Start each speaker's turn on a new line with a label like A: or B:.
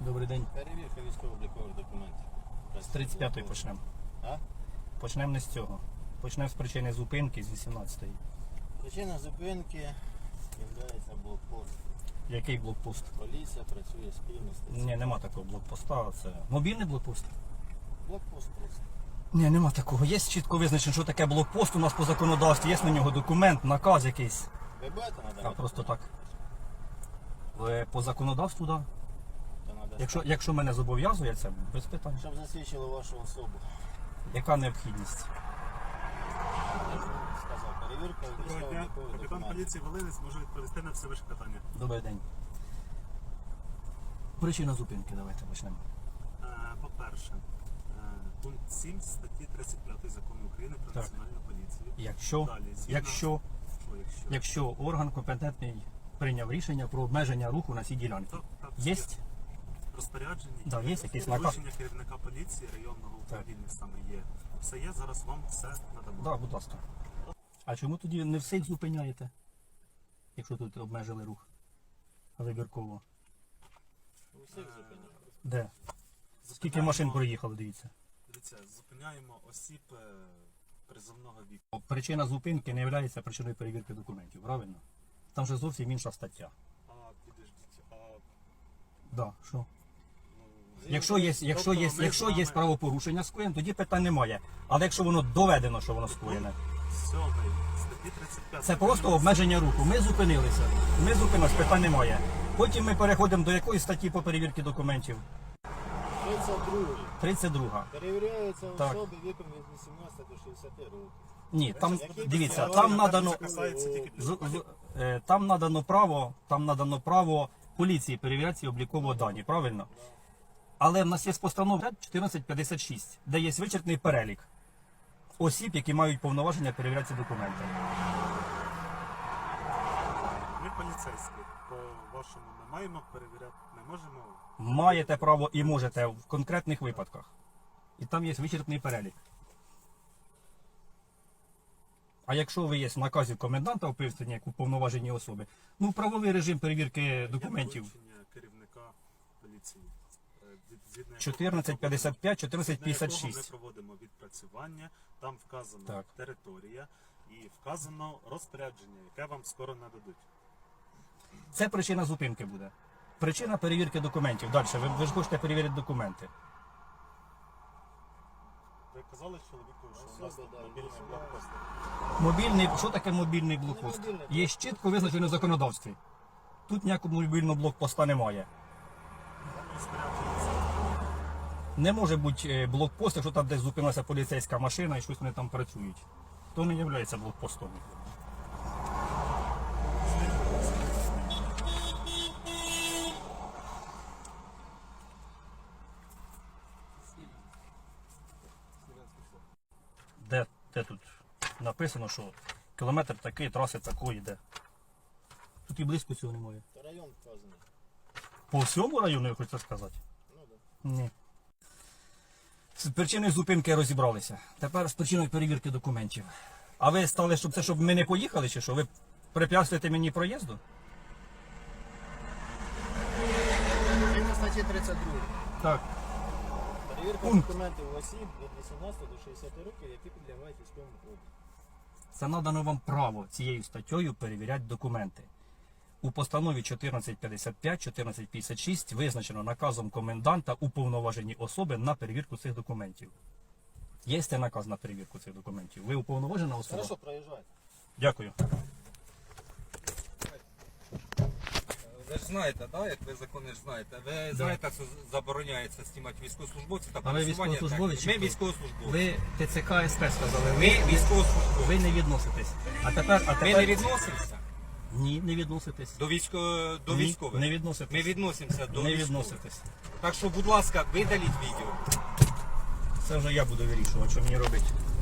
A: Добрий день.
B: Перевірка військово-облікових документів.
A: З 35-ї почнемо.
B: А?
A: Почнемо не з цього. Почнемо з причини зупинки з 18-ї.
B: Причина зупинки є блокпост.
A: Який блокпост?
B: Поліція працює спільно.
A: Ні, нема такого блокпоста. Це мобільний блокпост?
B: Блокпост просто.
A: Ні, нема такого. Є чітко визначено, що таке блокпост у нас по законодавстві. Є на нього документ, наказ якийсь.
B: Ви будете надавати?
A: А просто так. По законодавству, так.
B: Да.
A: Якщо мене зобов'язує, це без питань.
B: Щоб засвідчило вашу особу.
A: Яка необхідність?
B: Сказав, перевірка
C: Доброго дня.
B: військово-облікових
C: Капітан
B: документів.
C: поліції Волинець може відповісти на все ваше питання.
A: Добрий день. Причина зупинки, давайте почнемо.
C: По-перше, пункт 7 статті 35 Закону України про
A: Так.
C: національну поліцію.
A: Якщо,
C: Далі, згідно-
A: якщо,
C: Що, якщо?
A: якщо орган компетентний прийняв рішення про обмеження руху на цій ділянці.
C: Так,
A: Є?
C: розпорядження,
A: Да, є якийсь наказ?
C: доручення керівника поліції районного управління саме є. Все є, зараз вам все надамо.
A: Так, будь ласка. А чому тоді не всіх зупиняєте? Якщо тут обмежили рух вибірково.
B: У всіх зупинять.
A: Де? Скільки машин проїхало, дивіться.
C: Дивіться, зупиняємо осіб призовного віку.
A: Причина зупинки не є причиною перевірки документів, правильно? Там же зовсім інша стаття.
C: А, підождіть,
A: Да, що?
C: ну,
A: Якщо є правопорушення скоєне, тоді питань немає. Але якщо воно доведено, що воно скоєне,
C: 7 статті 35.
A: це просто обмеження руху. Ми зупинилися. Ми зупинилися, питань немає. Потім ми переходимо до якої статті по перевірці документів?
B: 32.
A: 32.
B: Перевіряються
A: Так.
B: особи віком від 18 до 60 років.
A: Ні, там
B: Які
A: дивіться,
B: підстави?
A: там надано
C: Це касається тільки підстави.
A: там надано право поліції перевіряти ці облікові дані, правильно? Але в нас є постанова 1456, де є вичерпний перелік осіб, які мають повноваження перевіряти ці документи.
C: Ми поліцейські, по-вашому ми маємо перевіряти, не можемо.
A: Маєте право і можете в конкретних випадках. І там є вичерпний перелік. А якщо ви є в наказі коменданта вписані як уповноважені особи, ну правовий режим перевірки документів.
C: Є доручення керівника поліції. Згідно
A: 1455,
C: якого ми
A: 1456.
C: проводимо відпрацювання, там вказана
A: Так.
C: територія і вказано розпорядження, яке вам скоро нададуть.
A: Це причина зупинки буде. Причина перевірки документів. Далі, ви ж хочете перевірити документи.
C: Ви казали чоловіку, що у нас
B: Особи, да,
C: мобільний
B: вісімнадцять.
C: блокпост.
A: Мобільний, що таке мобільний блокпост?
B: мобільний
A: Є чітко визначено в законодавстві. Тут ніякого мобільного блокпоста немає.
C: Там розпорядження.
A: Не може бути блокпост, якщо там десь зупинилася поліцейська машина і щось вони там працюють. То не є блокпостом. Де тут написано, що кілометр такий, траси такої йде. Тут і близько цього немає.
B: Та район вказаний.
A: По всьому району, я хочу сказати?
B: Ну, да.
A: Ні. З причиною зупинки розібралися. Тепер з причиною перевірки документів. А ви стали, щоб ми не поїхали, чи що? Ви препятствуєте мені проїзду?
B: Згідно статті 32.
A: Так.
B: Перевірка
A: Пункт.
B: документів осіб від 18 до 60 років, які підлягають військовому обліку.
A: Це надано вам право цією статтею перевіряти документи. У постанові 1455, 1456 визначено наказом коменданта уповноважені особи на перевірку цих документів. Є цей наказ на перевірку цих документів? Ви уповноважена особа?
B: Хорошо, проїжджайте.
A: Дякую.
D: Ви ж знаєте, да, як ви закони ж знаєте. Ви знаєте, що забороняється знімати військовослужбовців та
A: А ви
D: пересування
A: військовослужбовець
D: техніки.
A: чи
D: Ми
A: хто?
D: військовослужбовці.
A: Ви ТЦК СП сказали.
D: Ми військовослужбовці.
A: Ви не відноситесь. А тепер...
D: Ми не відносимося
A: Ні, не відноситесь.
D: до
A: Ні,
D: військових.
A: не відноситесь.
D: Ми відносимося до
A: Не
D: військових.
A: відноситесь.
D: Так що, будь ласка, видаліть відео.
A: Це вже я буду вирішувати, що мені робити.